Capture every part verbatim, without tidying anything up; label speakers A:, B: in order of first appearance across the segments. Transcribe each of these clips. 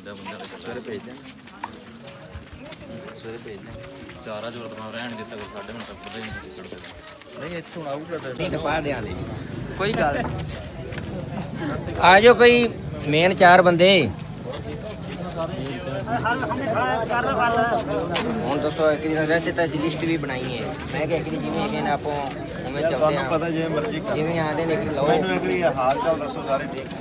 A: ਦਿੱਤਾ ਬੰਦਾ
B: ਸਵੇਰੇ ਭੇਜ ਦੇ ਸਵੇਰੇ ਭੇਜ ਦੇ
A: ਚਾਰਾ ਜੋਰ ਤੋਂ ਰਹਿਣ ਦਿੱਤਾ ਕੋਈ ਸਾਡੇ ਹੁਣ ਤੱਕ ਪਤਾ ਹੀ ਨਹੀਂ ਕਿੱਕੜ ਦੇ
B: ਨਹੀਂ ਇੱਥੋਂ ਆਊਗਾ ਤਾਂ
C: ਨਹੀਂ ਤਾਂ ਪਾ ਦਿਆਂਗੇ ਕੋਈ ਗੱਲ ਆ ਜਾਓ ਕੋਈ ਮੇਨ ਚਾਰ ਬੰਦੇ ਹੁਣ ਦੱਸੋ ਇੱਕ ਦਿਨ ਵੈਸੇ ਤਾਂ ਅਸੀਂ ਲਿਸਟ ਵੀ ਬਣਾਈ ਹੈ ਮੈਂ ਕਿਹਾ ਇੱਕ ਦਿਨ ਜਿਵੇਂ ਹੈਗੇ ਨੇ ਆਪਾਂ ਉਵੇਂ ਚੱਲਦੇ ਹਾਂ
B: ਪਤਾ ਜਿਵੇਂ ਮਰਜ਼ੀ ਕਰ
C: ਜਿਵੇਂ ਆਂਦੇ ਨੇ ਕਿ ਲਓ
B: ਮੈਨੂੰ ਇੱਕ ਵਾਰੀ ਹਾਲ ਚਾਲ ਦੱਸੋ ਸਾਰੇ ਠੀਕ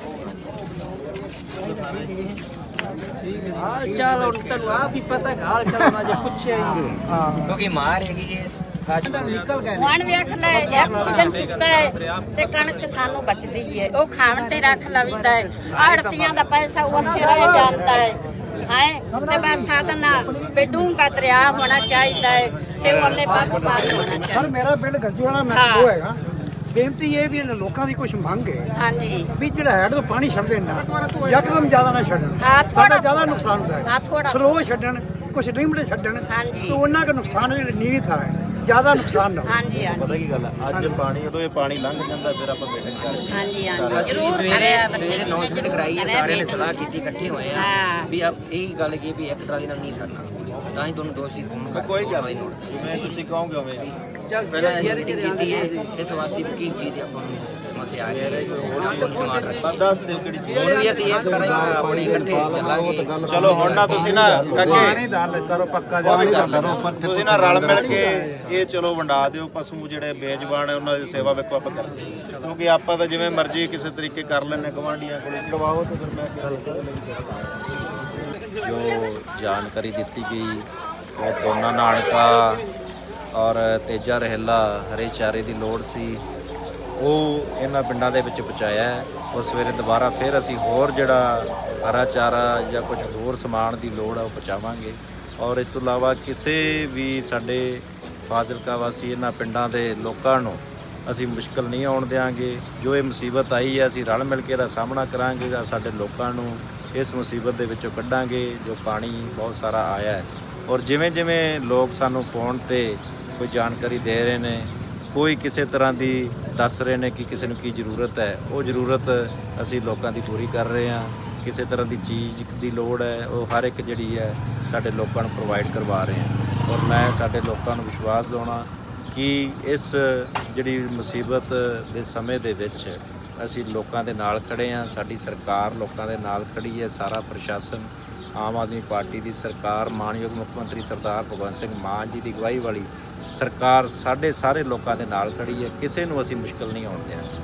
D: ਹਾਲ ਚਾਲ ਹੁਣ ਤੁਹਾਨੂੰ ਆਪ ਹੀ ਪਤਾ ਹਾਲ ਚਾਲ ਨਾ ਜੇ ਪੁੱਛਿਆ ਹੀ ਹਾਂ
C: ਕਿਉਂਕਿ ਮਾਰ ਹੈਗੀ ਜੇ
D: ਨਿਕਲ ਗਏ
E: ਹੁਣ ਵੇਖ ਲੈ ਇੱਕ ਸੀਜ਼ਨ ਚੁੱਕਾ ਹੈ ਤੇ ਕਣਕ ਸਾਨੂੰ ਬਚਦੀ ਹੈ ਉਹ ਖਾਣ ਤੇ ਰੱਖ ਲਵੀਦਾ ਹੈ ਆੜਤੀਆਂ ਦਾ ਪੈਸਾ ਉੱਥੇ ਰਹਿ ਜਾਂਦਾ ਹੈ ਹੈ ਤੇ ਬਸ ਸਾਧਨ ਬੇਡੂੰਗਾ ਦਰਿਆ ਹੋਣਾ ਚਾਹੀਦਾ ਹੈ ਤੇ ਉਹਨੇ ਪਾਪ ਪਾਸ ਹੋਣਾ
D: ਸਰ
E: ਚਾਹੀਦਾ
D: ਮੇਰਾ ਪਿੰਡ ਗੱਜੂ ਵਾਲਾ ਮੈਂ ਉਹ ਹੈਗਾ ਬੇਨਤੀ ਇਹ ਵੀ ਇਹਨਾਂ ਲੋਕਾਂ ਦੀ ਕੁਝ ਮੰਗ ਹੈ
E: ਹਾਂਜੀ
D: ਵੀ ਜਿਹੜਾ ਹੈਡ ਤੋਂ ਪਾਣੀ ਛੱਡਦੇ ਨਾ ਯਕਦਮ ਜ਼ਿਆਦਾ ਨਾ ਛੱਡਣ
E: ਹਾਂ, ਥੋੜ੍ਹਾ-
D: ਸਾਡਾ ਜ਼ਿਆਦਾ ਨੁਕਸਾਨ ਹੁੰਦਾ
E: ਹਾਂ,
D: ਹੈ
E: ਥੋੜ੍ਹਾ।
D: ਸਲੋ ਛੱਡਣ ਕੁਝ ਲਿਮਟ ਛੱਡਣ
E: ਹਾਂਜੀ।
D: ਤੇ ਉਹਨਾਂ ਦਾ ਨੁਕਸਾਨ ਜਿਹੜਾ ਨੀਵੀਂ ਥਾਂ ਹੈ ਜ਼ਿਆਦਾ ਨੁਕਸਾਨ ਨਾ ਹੋਵੇ।
E: ਹਾਂਜੀ ਹਾਂਜੀ
B: ਪਤਾ ਕੀ ਗੱਲ ਹੈ ਅੱਜ ਪਾਣੀ ਉਦੋਂ ਇਹ ਪਾਣੀ ਲੰਘ ਜਾਂਦਾ ਫਿਰ ਆਪਾਂ ਮੀਟਿੰਗ ਕਰਦੇ
E: ਹਾਂਜੀ ਹਾਂਜੀ
C: ਅਸੀਂ
E: ਜ਼ਰੂਰ
C: ਸਵੇਰੇ
E: ਕਰਿਆ ਬੱਚੇ
C: ਸਵੇਰੇ
E: ਜੀ
C: ਅਨਾਉਂਸਮੈਂਟ ਕਰਾਈ ਹੈ ਸਾਰਿਆਂ ਨੇ ਸਲਾਹ ਕੀਤੀ ਇਕੱਠੇ ਹੋਏ ਆ
E: ਹਾਂ।
C: ਵੀ ਆ ਇਹ ਗੱਲ ਕੀ ਵੀ ਇੱਕ ਟਰਾਲੀ ਨਾਲ ਨਹੀਂ ਸਰਨਾ ਤਾਂ ਹੀ ਤੁਹਾਨੂੰ ਦੋਸ਼ੀ ਫੋਨ ਕਰ
B: ਕੋਈ ਗੱਲ ਨਹੀਂ ਜਿਵੇਂ ਤੁਸੀਂ ਕਹੋਗੇ ਉਵੇਂ
C: ਚੱਲ ਪਹਿਲਾਂ ਜਿਹੜੇ ਜਿਹੜੇ ਕੀਤੀ ਹੈ ਇਸ ਵਾਸਤੇ ਵੀ ਕੀ ਚੀਜ਼ ਆਪਾਂ ਨੂੰ ਸਮੱਸਿਆ ਆ ਗਈ
B: ਤਾਂ ਦੱਸ ਦਿਓ ਕਿਹੜੀ ਚੀਜ਼
C: ਹੁਣ ਵੀ ਅਸੀਂ ਇਸ ਤਰ੍ਹਾਂ ਆਪਣੀ ਇਕੱਠੇ ਚੱਲਾਂਗੇ
B: ਚਲੋ ਹੁਣ ਨਾ ਤੁਸੀਂ ਨਾ ਕਾਕੇ ਕਰੋ ਪੱਕਾ ਜਾ ਤੁਸੀਂ ਨਾ ਰਲ ਮਿਲ ਕੇ ਇਹ ਚਲੋ ਵੰਡਾ ਦਿਓ ਪਸ਼ੂ ਜਿਹੜੇ ਬੇਜ਼ਬਾਨ ਹੈ ਉਹਨਾਂ ਦੀ ਸੇਵਾ ਵੇਖੋ ਆਪਾਂ ਕਰਦੇ ਹਾਂ। ਕਿਉਂਕਿ ਆਪਾਂ ਤਾਂ ਜਿਵੇਂ ਮਰਜ਼ੀ ਕਿਸੇ ਤਰੀਕੇ ਕਰ ਲੈਣੇ ਗਵਾਂਢੀਆਂ ਕੋਲ ਦਵਾਓ ਤੇ ਫਿਰ ਮੈਂ ਜੋ ਜਾਣਕਾਰੀ ਦਿੱਤੀ ਗਈ ਉਹ ਦੋਨਾ ਨਾਨਕਾ ਔਰ ਤੇਜਾ ਰਹਿਲਾ ਹਰੇ ਚਾਰੇ ਦੀ ਲੋੜ ਸੀ ਉਹ ਇਹਨਾਂ ਪਿੰਡਾਂ ਦੇ ਵਿੱਚ ਪਹੁੰਚਾਇਆ ਹੈ ਔਰ ਸਵੇਰੇ ਦੁਬਾਰਾ ਫਿਰ ਅਸੀਂ ਹੋਰ ਜਿਹੜਾ ਹਰਾ ਚਾਰਾ ਜਾਂ ਕੁਝ ਹੋਰ ਸਮਾਨ ਦੀ ਲੋੜ ਆ ਉਹ ਪਹੁੰਚਾਵਾਂਗੇ ਔਰ ਇਸ ਤੋਂ ਇਲਾਵਾ ਕਿਸੇ ਵੀ ਸਾਡੇ ਫਾਜ਼ਿਲਕਾ ਵਾਸੀ ਇਹਨਾਂ ਪਿੰਡਾਂ ਦੇ ਲੋਕਾਂ ਨੂੰ ਅਸੀਂ ਮੁਸ਼ਕਲ ਨਹੀਂ ਆਉਣ ਦਿਆਂਗੇ ਜੋ ਇਹ ਮੁਸੀਬਤ ਆਈ ਹੈ ਅਸੀਂ ਰਲ ਮਿਲ ਕੇ ਇਹਦਾ ਸਾਹਮਣਾ ਕਰਾਂਗੇ ਜਾਂ ਸਾਡੇ ਲੋਕਾਂ ਨੂੰ ਇਸ ਮੁਸੀਬਤ ਦੇ ਵਿੱਚੋਂ ਕੱਢਾਂਗੇ ਜੋ ਪਾਣੀ ਬਹੁਤ ਸਾਰਾ ਆਇਆ ਹੈ ਔਰ ਜਿਵੇਂ ਜਿਵੇਂ ਲੋਕ ਸਾਨੂੰ ਫੋਨ ਤੇ ਕੋਈ ਜਾਣਕਾਰੀ ਦੇ ਰਹੇ ਨੇ ਕੋਈ ਕਿਸੇ ਤਰ੍ਹਾਂ ਦੀ ਦੱਸ ਰਹੇ ਨੇ ਕਿ ਕਿਸੇ ਨੂੰ ਕੀ ਜ਼ਰੂਰਤ ਹੈ ਉਹ ਜ਼ਰੂਰਤ ਅਸੀਂ ਲੋਕਾਂ ਦੀ ਪੂਰੀ ਕਰ ਰਹੇ ਹਾਂ ਕਿਸੇ ਤਰ੍ਹਾਂ ਦੀ ਚੀਜ਼ ਦੀ ਲੋੜ ਹੈ ਉਹ ਹਰ ਇੱਕ ਜਿਹੜੀ ਹੈ ਸਾਡੇ ਲੋਕਾਂ ਨੂੰ ਪ੍ਰੋਵਾਈਡ ਕਰਵਾ ਰਹੇ ਹਾਂ ਔਰ ਮੈਂ ਸਾਡੇ ਲੋਕਾਂ ਨੂੰ ਵਿਸ਼ਵਾਸ ਦਿਵਾਉਣਾ ਕਿ ਇਸ ਜਿਹੜੀ ਮੁਸੀਬਤ ਦੇ ਸਮੇਂ ਦੇ ਵਿੱਚ ਅਸੀਂ ਲੋਕਾਂ ਦੇ ਨਾਲ ਖੜੇ ਹਾਂ ਸਾਡੀ ਸਰਕਾਰ ਲੋਕਾਂ ਦੇ ਨਾਲ ਖੜੀ ਹੈ ਸਾਰਾ ਪ੍ਰਸ਼ਾਸਨ ਆਮ ਆਦਮੀ ਪਾਰਟੀ ਦੀ ਸਰਕਾਰ ਮਾਨਯੋਗ ਮੁੱਖ ਮੰਤਰੀ ਸਰਦਾਰ ਭਗਵੰਤ ਸਿੰਘ ਮਾਨ ਜੀ ਦੀ ਅਗਵਾਈ ਵਾਲੀ ਸਰਕਾਰ ਸਾਡੇ ਸਾਰੇ ਲੋਕਾਂ ਦੇ ਨਾਲ ਖੜੀ ਹੈ ਕਿਸੇ ਨੂੰ ਅਸੀਂ ਮੁਸ਼ਕਲ ਨਹੀਂ ਆਉਣ ਦਿਆਂਗੇ।